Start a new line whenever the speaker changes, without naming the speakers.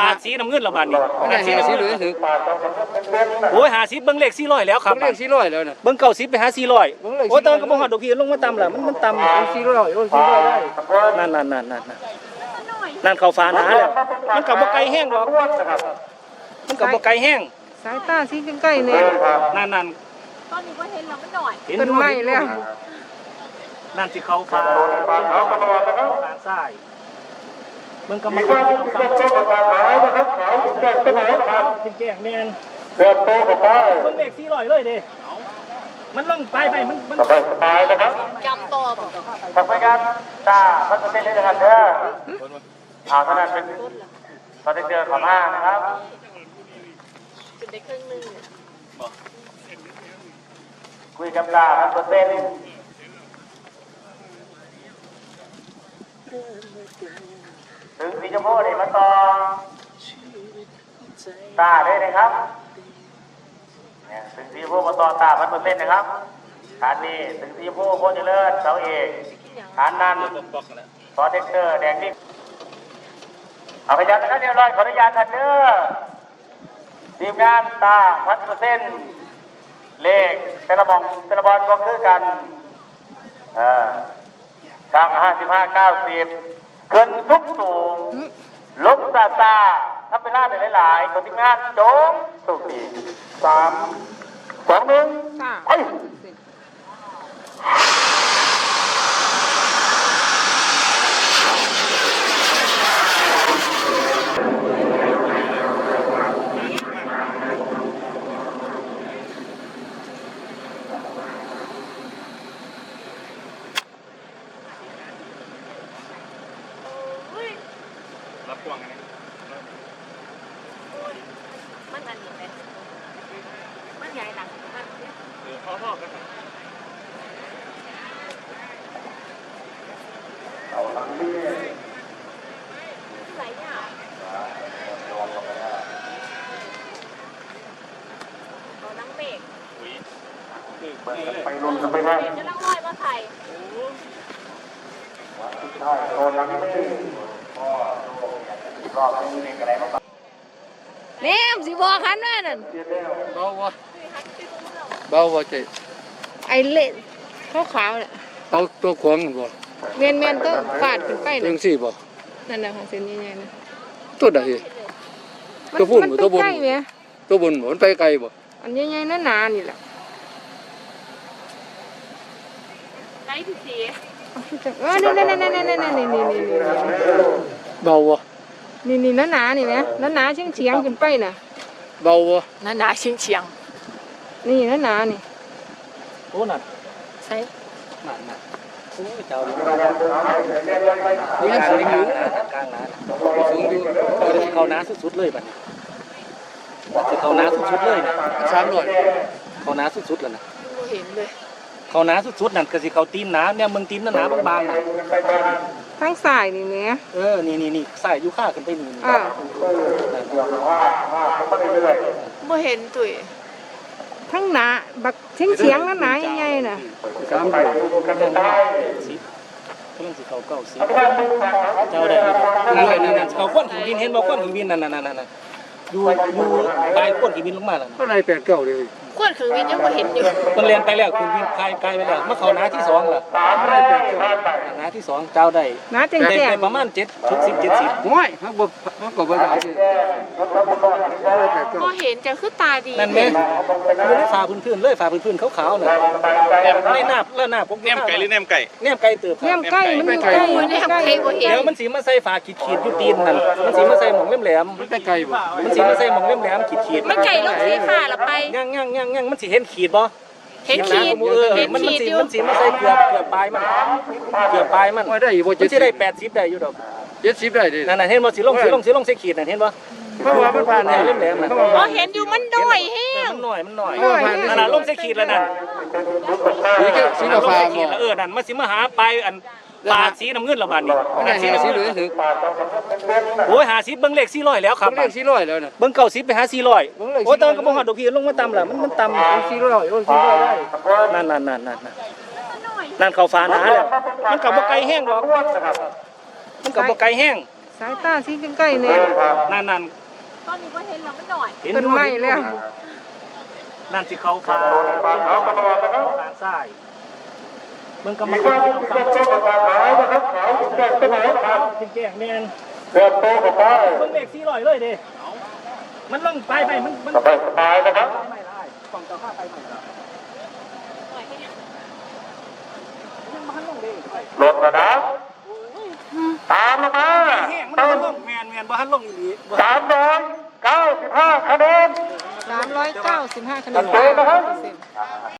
ดสีน้ำเงินละบาทนี่
มันได้50หรือถึง
โอ้ย50เบิ่งเลข400แล้วครับ
เบิ่งเลข400แล้วน่ะ
เบิ่ง90ไปหา400โอ้ตอนก็บ่ฮอดดอกพี่ลงมาต่ำล่ะมันต่ำ
400โอ้400ได้
นั่นเข้าฟ้าหนาแล้วมันก็บ่ไกลแห้งหรอกมันก็บ่ไกลแห้ง
สายตาสีใกล้ๆเนี่ย
นั่น
ตอนนี้ก็เห็นแล้วมันหน่อย
ต้นไม้แล้ว
นั่นสิเข้าฟ้าทางซ้ายมันก็มาเข้าฟ้าแก่งแม่นเกิดโตกับไปเบิ่งเลข400เลยเด้มันลงไปมันไปนะครับ
จำตัวบ่
ทำไปกันตามันจะเป็นได้กันเด้อเท่านั้นเป็นตอนที่เจอขอมานะครับ
จุดได้ครึ่งนึง
คุยกับตา100%ถึงสีชมพูนี่มาต่อตาได้เลยครับเนี่ยถึงสีชมพูมาต่อตา100%นะครับฐานนี้ถึงสีชมพูโคตรเจริญเสาเอกฐานนั้นซอเทคเตอร์แดงนี่เอาพยานนะครับเรียบร้อยขออนุญาตท่านเด้อทีมงานตา100%เลขแต่ละบอลก็คือกันทาง55 90ขึ้นทุกสูงลบตาถ้าเป็นล่าได้หลายๆคนทีมงานโจงสุขี3 2 1ไปรับกวางไง
มันอันนี้เป็นมันใหญ่หนักมัน
พ่อกันเอาทั้งนี้
ใส่เนี่ยเอานังเมฆ
ไปลงกันไปได้
จะนั่งร้อยมาไข่
ใช่โดนนังเมฆรอบนี้มีอะไรบ้าง
เนี่ยสิบอกคันแม่นั่น
เบาบ่เจ๊
ไอ้เล่ขาวๆเนี่ย
เอาตัวขวางบ่
เมียนต้องฟาดขึ้นไป
จังซี่บ่
นั่นน่ะค่ะเส้นใหญ่ๆนะ
ตัวใดตัวพุ่นบ่ตัวบนตัวบนบ่มันไปไกลบ่
อันใหญ่ๆหนาๆนี่แหละ
ไก่ที่สี
นี่
เบาบ่
นี่หนาๆนี่นะหนาๆเฉียงๆขึ้นไปน่ะ
เบาบ่
หนาๆเฉียง
นี่หนาๆนี่
โอ้นั่น
ใช่
นั่นโอ้เจ้าดิ
นี่สูงอยู่
กลางน้า
สูงอยู่
เขาน้าสุดๆเลยบัดนี้เขาน้าสุดๆเลยนะ
300
เขาน้าสุดๆแล้วนะ
เห็นเลย
เขาน้าสุดๆนั่นก็สิเขาตีนน้าเนี่ยมึงตีนหนาบางๆน่ะ
ทางซ้ายนี่แหละ
นี่ใส่อยู่ข้าขึ้นไปนี่
บ่เห็นตุ้ย
ทั้งหนาบักเฉียงหนาใหญ่ๆน่ะ
300
กันได้สิเพิ่นสิเขา90เจ้าได้นั่นเขาควนถึงบินเห็นบ่ควนถึงบินนั่นอยู่ปลายควนถึงบินลงมาแล้ว
เท่าไหร่8-9เลย
ขวดเครื่องบินยังบ่เห็นอยู่
มันเรียนไปแล้วถึงบินไกลไปแล้วมาเข้าหน้าที่2ล่ะหน้าที่2เจ้าได้
หนาแจ้ง
ๆประมาณ70
โอ้ยเฮาก็บ่ได้
พอเห็นจะคือตาดี
นั่นแม่อยู่ในฝาพื้นๆเลยฝาพื้นๆขาวๆน่ะในหน้าพวก
แหนมไก่หรือแหนมไก่
แหนมไก่เติบ
แหนมไก่มันไก่
แหนมไก่บ่เห็น
เดี๋ยวมันสิมาใส่ฝาขีดอยู่ตีนนั่นมันสิมาใส่หม่องแหลม
มันไปไกลบ่
มันสิมาใส่หม่องแหลมขีด
มันไก่ลงสีฟ้าละไป
ยังมันสิเห็นขีดบ่
เห็นขีด
มันสิมาใส่เกือบปลายมัน
ได้บ่
มันสิได้80ได้อยู่ดอก
70ได้ดิ
นั่นเห็นบ่สิลงใส่ขีดนั่นเห็นบ่
เพราะว่ามันผ่านแหลม
ๆบ่เห็นอยู่มันน้อยแฮง
มันน้อยนั่นลงใส่ขีดแล้วนั่น
สีฟ้า
ขีดแล้วนั่นมันสิมาหาปลายอันปาดสีน้ำเงินละบาทนี่
50หรือถึง
โอ้ย50เบิ่งเลข400แล้วครับ
เลข400แล้วน่ะ
เบิ่ง90ไปหา400โอ้ตอนก็บ่ฮอดดอกพี่ลงมาต่ำล่ะมันต่ำ
400โอ้400ได้
นั่นเข้าฟ้าหนาแล้วมันก็บ่ไกลแห้งหรอกมันก็บ่ไกลแห้ง
สายตาสีใกล้ๆเนี่ย
นั่น
ตอนนี้ก็เห็นแล้วมันหน่อย
ต้นไม้แล้ว
นั่นสิเขาฟ้าทางซ้ายมันกำลังแก่งแมนเบิ่งเด็ก400เลยเด้มันลงไปมัน
สบายนะครับ
ไม่ได้ต้องเจ้าข้าไปใหม่ละ
หน่อยให้ยัง
ยังมันลงเด้
ลงแล้วนะตามลงมา
แห้งมันลงแมนบ่ทันลงอีหลีบ่
395 คะแนน
395คะแนน
จัดเต็มนะครับ
5%